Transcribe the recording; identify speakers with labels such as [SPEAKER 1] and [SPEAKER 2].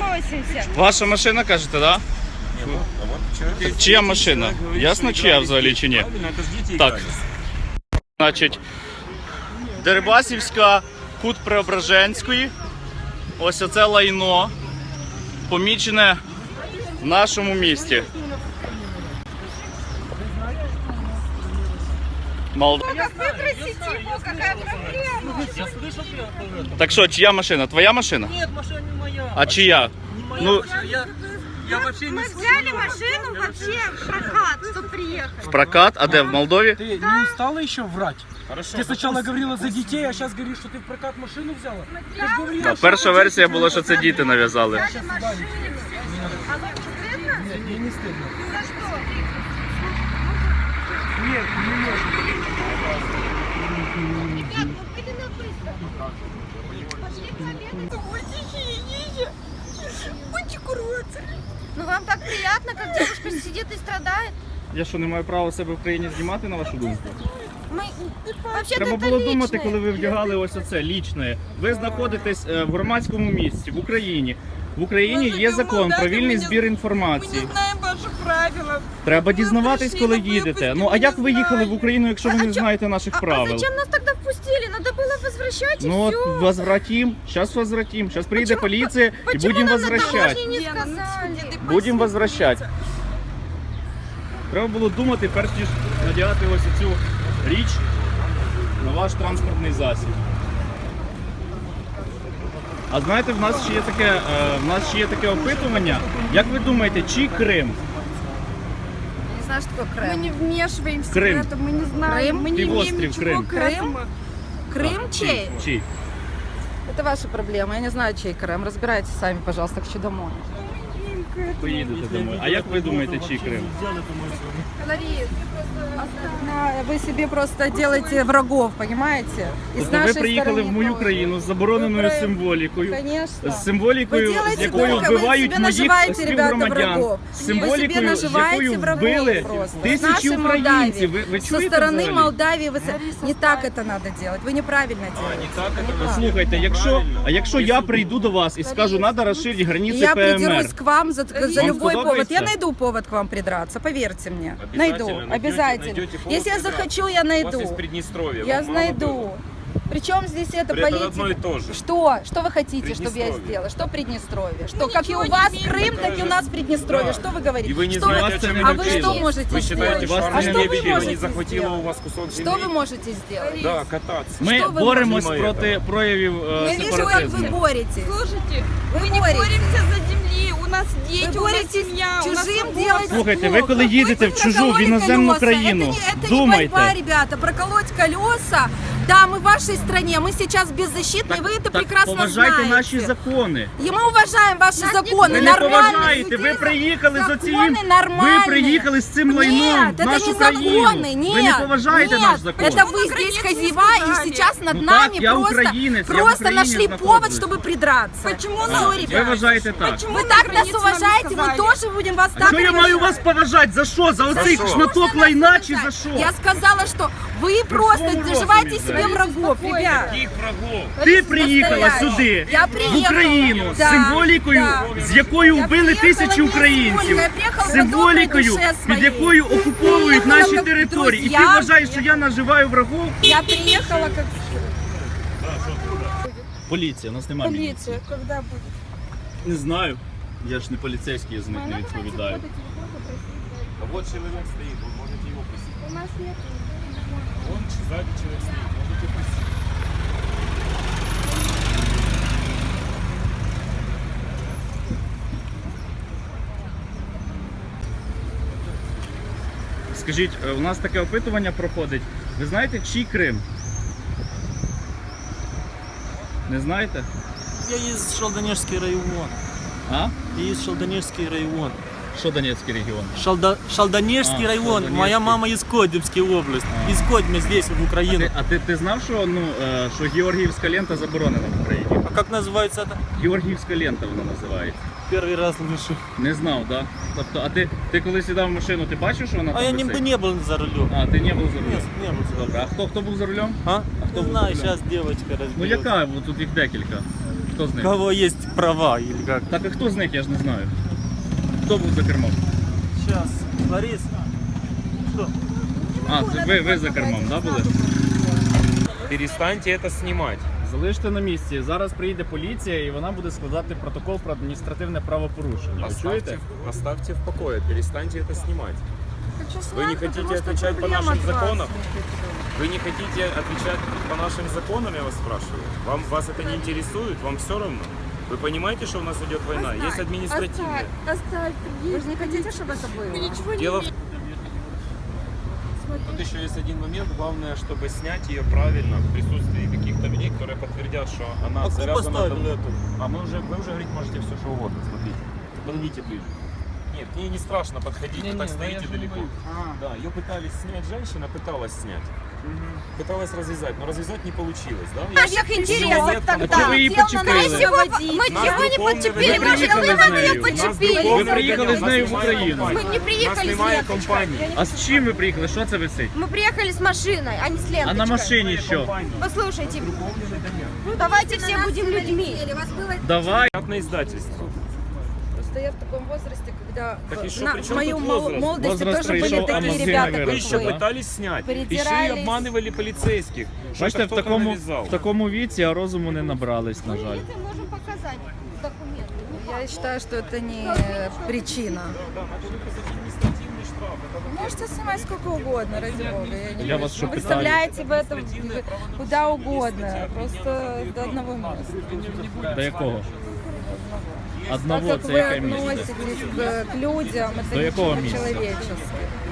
[SPEAKER 1] относимся.
[SPEAKER 2] Ваша машина, кажете, да? Чия машина? Ясно, чия взагалі чи ні? Так. Значить, Дерибасівська, кут Преображенської. Ось оце лайно, помічене в нашому місті.
[SPEAKER 1] Как выбросить его, какая проблема?
[SPEAKER 2] Так що, чия машина? Твоя машина?
[SPEAKER 3] Нет, машина не моя.
[SPEAKER 2] А чия? Ну,
[SPEAKER 3] Я вообще не
[SPEAKER 1] Мы взяли машину вообще в прокат, чтобы приехать.
[SPEAKER 2] в прокат, а де, в Молдові?
[SPEAKER 4] Ты не устала еще врать?
[SPEAKER 3] Хорошо.
[SPEAKER 4] Ты сначала говорила за детей, а сейчас говоришь, что ты в прокат машину взяла? Ты же говорила,
[SPEAKER 2] Да, перша версія була, що це діти нав'язали.
[SPEAKER 1] А вам не стыдно?
[SPEAKER 4] Нет, мне не стыдно.
[SPEAKER 1] За что?
[SPEAKER 4] Нет, не можешь.
[SPEAKER 1] Ребят, ну пойди на быстро. Пошли пообедать. Ой, тихие, идите. Кончик уродцы. Ну вам так приятно, как девушка сидит и страдает?
[SPEAKER 2] Я що, не маю права себе в країні знімати, на вашу думку?
[SPEAKER 1] Мы... Вообще-то
[SPEAKER 2] Треба
[SPEAKER 1] это
[SPEAKER 2] було думати,
[SPEAKER 1] личное.
[SPEAKER 2] коли ви вдягали ось оце, лічне. Ви знаходитесь в громадському місці, в Україні. В Україні є закон про вільний збір інформації.
[SPEAKER 5] Мы не знаем ваши правила.
[SPEAKER 2] Треба дізнаватись, коли їдете. Ну, а як ви їхали в Україну, якщо ви не знаєте наших
[SPEAKER 1] А
[SPEAKER 2] правил?
[SPEAKER 1] зачем нас тогда впустили? Надо было возвращать и
[SPEAKER 2] Ну,
[SPEAKER 1] все.
[SPEAKER 2] от возвратим. Сейчас возвратим. Сейчас приедет
[SPEAKER 1] Почему-
[SPEAKER 2] полиция и
[SPEAKER 1] Почему
[SPEAKER 2] будем
[SPEAKER 1] нам на
[SPEAKER 2] возвращать.
[SPEAKER 1] таможне не
[SPEAKER 5] Лена, ну,
[SPEAKER 1] сказали?
[SPEAKER 5] господи, ты
[SPEAKER 2] Будем возвращать. Треба було думати, перш ніж надягати ось цю річ на ваш транспортний засіб. А знаєте, в нас ще є таке опитування. Як ви думаєте, чий Крим?
[SPEAKER 5] Не знаю, что такое
[SPEAKER 1] Мы
[SPEAKER 5] Крым.
[SPEAKER 1] не вмешиваемся
[SPEAKER 2] Крым.
[SPEAKER 1] в это, мы не знаем.
[SPEAKER 5] Крым?
[SPEAKER 1] Мы не имеем
[SPEAKER 2] Пивострів
[SPEAKER 1] ничего
[SPEAKER 2] Крым.
[SPEAKER 1] к этому.
[SPEAKER 5] Крым чей?
[SPEAKER 2] Чий?
[SPEAKER 5] Это ваша проблема. Я не знаю, чей Крым. Разбирайтесь сами, пожалуйста, хочу домой.
[SPEAKER 2] Поїдете домой. А як ви думаєте, чий Крим?
[SPEAKER 1] Ларис,
[SPEAKER 5] Вы себе просто делаете врагов, понимаете? И с
[SPEAKER 2] Тобто ви
[SPEAKER 5] нашей
[SPEAKER 2] приїхали
[SPEAKER 5] стороны
[SPEAKER 2] в мою
[SPEAKER 5] тоже.
[SPEAKER 2] країну з забороненою
[SPEAKER 5] Ви
[SPEAKER 2] символікою.
[SPEAKER 5] Конечно.
[SPEAKER 2] З символікою,
[SPEAKER 5] Вы
[SPEAKER 2] з
[SPEAKER 5] делаете
[SPEAKER 2] якою
[SPEAKER 5] только, вы
[SPEAKER 2] вбивають
[SPEAKER 5] себе
[SPEAKER 2] моїх
[SPEAKER 5] наживаете, ребята,
[SPEAKER 2] співгромадян.
[SPEAKER 5] врагов.
[SPEAKER 2] З
[SPEAKER 5] Вы себе
[SPEAKER 2] символікою, з
[SPEAKER 5] наживаете
[SPEAKER 2] якою
[SPEAKER 5] врагов
[SPEAKER 2] вбили
[SPEAKER 5] просто.
[SPEAKER 2] тисячі
[SPEAKER 5] Нашей
[SPEAKER 2] українців.
[SPEAKER 5] Молдавии.
[SPEAKER 2] Ви
[SPEAKER 5] Со
[SPEAKER 2] чуєте
[SPEAKER 5] стороны
[SPEAKER 2] взагалі?
[SPEAKER 5] Молдавии не так это надо делать. Вы неправильно делаете.
[SPEAKER 2] Слухайте, якщо я прийду до вас і скажу, треба розширити границі
[SPEAKER 5] Я
[SPEAKER 2] ПМР.
[SPEAKER 5] придерусь к вам за
[SPEAKER 2] Вам
[SPEAKER 5] любой повод.
[SPEAKER 2] сподобається?
[SPEAKER 5] Я найду повод к вам придраться, поверьте мне. Найду, обязательно. Если я захочу, я найду.
[SPEAKER 6] Приднестровья.
[SPEAKER 5] Я найду. Причем здесь это
[SPEAKER 6] Это одно и
[SPEAKER 5] политика?
[SPEAKER 6] то же.
[SPEAKER 5] Что? Что вы хотите, чтобы я
[SPEAKER 6] Приднестровье.
[SPEAKER 5] сделала? Что Приднестровье? Что, как и у вас Крым, так и у нас Приднестровье. Что вы говорите?
[SPEAKER 6] И вы не
[SPEAKER 5] Что
[SPEAKER 6] знаете, о чем
[SPEAKER 5] а
[SPEAKER 6] я
[SPEAKER 5] вы
[SPEAKER 6] говорю.
[SPEAKER 5] что можете
[SPEAKER 6] Вы считаете,
[SPEAKER 5] сделать?
[SPEAKER 6] что
[SPEAKER 2] вас
[SPEAKER 5] А
[SPEAKER 2] не
[SPEAKER 5] что вы
[SPEAKER 2] обидели,
[SPEAKER 5] можете
[SPEAKER 6] не захватила у
[SPEAKER 5] сделать?
[SPEAKER 6] вас кусок земли?
[SPEAKER 5] Что вы можете сделать?
[SPEAKER 6] Да, кататься.
[SPEAKER 2] Ми
[SPEAKER 5] Що ви
[SPEAKER 2] боремось
[SPEAKER 6] можете?
[SPEAKER 2] проти проявів
[SPEAKER 5] Я вижу, как вы
[SPEAKER 2] сепаратизму.
[SPEAKER 5] боретесь.
[SPEAKER 1] слушайте,
[SPEAKER 5] Вы
[SPEAKER 1] мы не
[SPEAKER 5] боретесь.
[SPEAKER 1] боремся за земли. У нас дети,
[SPEAKER 5] Вы
[SPEAKER 1] у нас
[SPEAKER 5] боретесь
[SPEAKER 1] семья, у нас
[SPEAKER 5] чужим
[SPEAKER 1] свобода.
[SPEAKER 5] делать
[SPEAKER 2] Слухайте, ви
[SPEAKER 5] плохо.
[SPEAKER 2] коли їдете в чужу, в
[SPEAKER 5] Прокололи
[SPEAKER 2] іноземну
[SPEAKER 5] колеса.
[SPEAKER 2] країну,
[SPEAKER 5] Это не
[SPEAKER 2] думайте.
[SPEAKER 5] борьба, ребята, проколоть колеса. Да, мы в вашей стране, мы сейчас беззащитны, вы это прекрасно
[SPEAKER 2] поважайте
[SPEAKER 5] знаете.
[SPEAKER 2] наші закони.
[SPEAKER 5] И мы уважаем ваши законы,
[SPEAKER 2] Ви не
[SPEAKER 5] нормальные.
[SPEAKER 2] поважаєте, ви приїхали з оцим,
[SPEAKER 5] Закони нормальные.
[SPEAKER 2] ви приїхали з цим лайном
[SPEAKER 5] Нет,
[SPEAKER 2] в
[SPEAKER 5] это
[SPEAKER 2] нашу
[SPEAKER 5] не
[SPEAKER 2] країну.
[SPEAKER 5] законы, нет.
[SPEAKER 2] Ви не поважаєте
[SPEAKER 5] нет,
[SPEAKER 2] наш закон.
[SPEAKER 5] Это вы здесь хозяева и сейчас над
[SPEAKER 2] Ну
[SPEAKER 5] нами
[SPEAKER 2] так, я українець, я в
[SPEAKER 5] просто
[SPEAKER 2] Україні
[SPEAKER 5] нашли
[SPEAKER 2] знаходжусь.
[SPEAKER 5] повод, чтобы придраться.
[SPEAKER 1] Почему
[SPEAKER 5] Всё,
[SPEAKER 1] нам-
[SPEAKER 2] Ви
[SPEAKER 5] ребята.
[SPEAKER 2] вважаєте так.
[SPEAKER 1] Почему
[SPEAKER 5] Вы
[SPEAKER 1] на
[SPEAKER 5] так нас
[SPEAKER 1] границе вам не
[SPEAKER 5] уважаете, мы
[SPEAKER 1] сказали?
[SPEAKER 5] тоже будем вас так
[SPEAKER 2] Що я маю вас поважати? За що? За оцей
[SPEAKER 6] що?
[SPEAKER 2] шматок лайна чи за що?
[SPEAKER 5] Я сказала, что вы просто
[SPEAKER 2] своему
[SPEAKER 5] наживаете
[SPEAKER 2] розумі,
[SPEAKER 5] себе
[SPEAKER 2] да.
[SPEAKER 5] врагов, ребят.
[SPEAKER 6] Каких врагов?
[SPEAKER 2] Ти приїхала
[SPEAKER 5] Постоянно.
[SPEAKER 2] сюди,
[SPEAKER 5] Я
[SPEAKER 2] в
[SPEAKER 5] приїхала.
[SPEAKER 2] Україну, з
[SPEAKER 5] Да,
[SPEAKER 2] символікою,
[SPEAKER 5] да.
[SPEAKER 2] з якою
[SPEAKER 5] Я
[SPEAKER 2] вбили
[SPEAKER 5] приїхала
[SPEAKER 2] тисячі
[SPEAKER 5] не з
[SPEAKER 2] українців,
[SPEAKER 5] символікою, я приїхала
[SPEAKER 2] з
[SPEAKER 5] по добрій
[SPEAKER 2] символікою,
[SPEAKER 5] душе
[SPEAKER 2] під
[SPEAKER 5] своїй.
[SPEAKER 2] якою окуповують
[SPEAKER 5] Приїхала
[SPEAKER 2] наші
[SPEAKER 5] як
[SPEAKER 2] території. І ти
[SPEAKER 5] друзья.
[SPEAKER 2] вважаєш, що я наживаю врагов?
[SPEAKER 5] Я приехала как...
[SPEAKER 2] Поліція, у нас немає.
[SPEAKER 1] Полиция, когда будет?
[SPEAKER 2] Не знаю. Я ж не поліцейський, я за них не відповідаю.
[SPEAKER 6] А вот человек стоит, вы можете его пустить.
[SPEAKER 1] У нас нет.
[SPEAKER 6] Вон сзади человек стоит, можете пустить.
[SPEAKER 2] Скажіть, у нас таке опитування проходить. Ви знаєте, чий Крим? Не знаєте?
[SPEAKER 3] Я из Шалдонежский район.
[SPEAKER 2] А?
[SPEAKER 3] Я из Шалдонежский район.
[SPEAKER 2] Що Донецький регіон?
[SPEAKER 3] Шалдонежский
[SPEAKER 2] А,
[SPEAKER 3] район.
[SPEAKER 2] Шалдонежский.
[SPEAKER 3] Моя мама из Кодемской области.
[SPEAKER 2] А.
[SPEAKER 3] Из Кодьмы здесь, в Украину.
[SPEAKER 2] А ти знав, що, що Георгіївська лента заборонена в Україні?
[SPEAKER 3] А как называется это?
[SPEAKER 2] Георгіївська лента вона називається.
[SPEAKER 3] Первый раз слышу.
[SPEAKER 2] Не знав, так? Да? Тобто, а ти коли сідав в машину, ти бачив, що вона
[SPEAKER 3] А
[SPEAKER 2] там
[SPEAKER 3] я
[SPEAKER 2] висить?
[SPEAKER 3] не был за рулем.
[SPEAKER 2] А, ти не був за рулем?
[SPEAKER 3] Нет, не был за рулем.
[SPEAKER 2] Добре, а хто був за рулем?
[SPEAKER 3] А?
[SPEAKER 2] кто
[SPEAKER 3] Не
[SPEAKER 2] был
[SPEAKER 3] знаю,
[SPEAKER 2] за рулем?
[SPEAKER 3] сейчас девочка разберется.
[SPEAKER 2] Ну яка? Бо тут їх декілька. Хто з
[SPEAKER 3] У
[SPEAKER 2] них?
[SPEAKER 3] кого есть права или как?
[SPEAKER 2] Так а хто з них, я ж не знаю. Хто був за кермом?
[SPEAKER 3] Сейчас, Борис. Что?
[SPEAKER 2] А, це ви за кермом, да, були?
[SPEAKER 6] Перестаньте это снимать.
[SPEAKER 2] Залиште на місці. Зараз приїде поліція і вона буде складати протокол про адміністративне правопорушення. Ви чуєте?
[SPEAKER 6] Оставьте в покое, перестаньте это снимать.
[SPEAKER 5] Хочу
[SPEAKER 6] Вы не
[SPEAKER 5] снять,
[SPEAKER 6] хотите
[SPEAKER 5] потому что
[SPEAKER 6] отвечать по
[SPEAKER 5] проблема
[SPEAKER 6] нашим
[SPEAKER 5] от вас.
[SPEAKER 6] законам? Вы не хотите отвечать по нашим законам, я вас спрашиваю? Вас это не интересует? Вам все равно? Вы понимаете, что у нас идет война? Есть административная.
[SPEAKER 5] Оставь. Вы же не хотите, чтобы это было?
[SPEAKER 6] Дело в... Тут еще есть один момент. Главное, чтобы снять ее правильно в присутствии каких-то людей, которые подтвердят, что она
[SPEAKER 3] А кто
[SPEAKER 6] завязана...
[SPEAKER 3] поставил
[SPEAKER 6] давно.
[SPEAKER 3] эту?
[SPEAKER 6] А вы уже говорить можете все, что угодно. Смотрите. Подойдите ближе. Нет, мне не страшно подходить, вы так стоите далеко. Да, ее пытались снять, женщина пыталась снять. Пыталась развязать, но развязать не получилось, да?
[SPEAKER 1] В наших интересах
[SPEAKER 6] нет,
[SPEAKER 1] тогда.
[SPEAKER 2] Чого ви її
[SPEAKER 1] Мы
[SPEAKER 2] почепили?
[SPEAKER 1] чего не подчепили?
[SPEAKER 2] Вы приехали
[SPEAKER 1] Вы
[SPEAKER 2] с нею.
[SPEAKER 1] не подчепили.
[SPEAKER 2] Ви приїхали з нею в Україну.
[SPEAKER 1] Мы не приехали с
[SPEAKER 6] Снимая
[SPEAKER 1] ленточкой.
[SPEAKER 6] компанию.
[SPEAKER 2] А з чим ви приїхали? Що це висить?
[SPEAKER 1] Мы приехали с машиной, а не с ленточкой.
[SPEAKER 2] А на машині що?
[SPEAKER 1] Послушайте, ну давайте все будем людьми.
[SPEAKER 2] Давай.
[SPEAKER 6] Как на издательство.
[SPEAKER 5] Просто я в таком возрасте, когда
[SPEAKER 6] Так и что,
[SPEAKER 5] на
[SPEAKER 6] при чем
[SPEAKER 5] мою
[SPEAKER 6] тут возраст?
[SPEAKER 5] молодости
[SPEAKER 2] Возраст
[SPEAKER 5] тоже были
[SPEAKER 2] пришел, а
[SPEAKER 5] такие
[SPEAKER 2] мозги
[SPEAKER 5] ребята,
[SPEAKER 2] на
[SPEAKER 6] Вы
[SPEAKER 5] как
[SPEAKER 6] еще
[SPEAKER 2] да?
[SPEAKER 5] вы.
[SPEAKER 6] пытались снять. Еще и
[SPEAKER 5] Перетирались.
[SPEAKER 6] обманывали полицейских.
[SPEAKER 2] Бачите, в
[SPEAKER 6] Что-то кто-то навязал.
[SPEAKER 2] такому віці, а розуму не набрались, на жаль.
[SPEAKER 1] Мы можем показать документы.
[SPEAKER 5] Я считаю, что это не причина.
[SPEAKER 6] Да, надо выписать административный штраф. Это
[SPEAKER 5] Можете снимать сколько угодно, ради бога. Я не
[SPEAKER 2] Я вас что,
[SPEAKER 5] выставляете в этом куда угодно. Просто до одного места.
[SPEAKER 2] До якого?
[SPEAKER 5] Так
[SPEAKER 2] Одного
[SPEAKER 5] как
[SPEAKER 2] це
[SPEAKER 5] вы
[SPEAKER 2] яке місце?
[SPEAKER 5] относитесь к людям, это
[SPEAKER 2] До якого
[SPEAKER 5] ничего
[SPEAKER 2] места?
[SPEAKER 5] человеческое.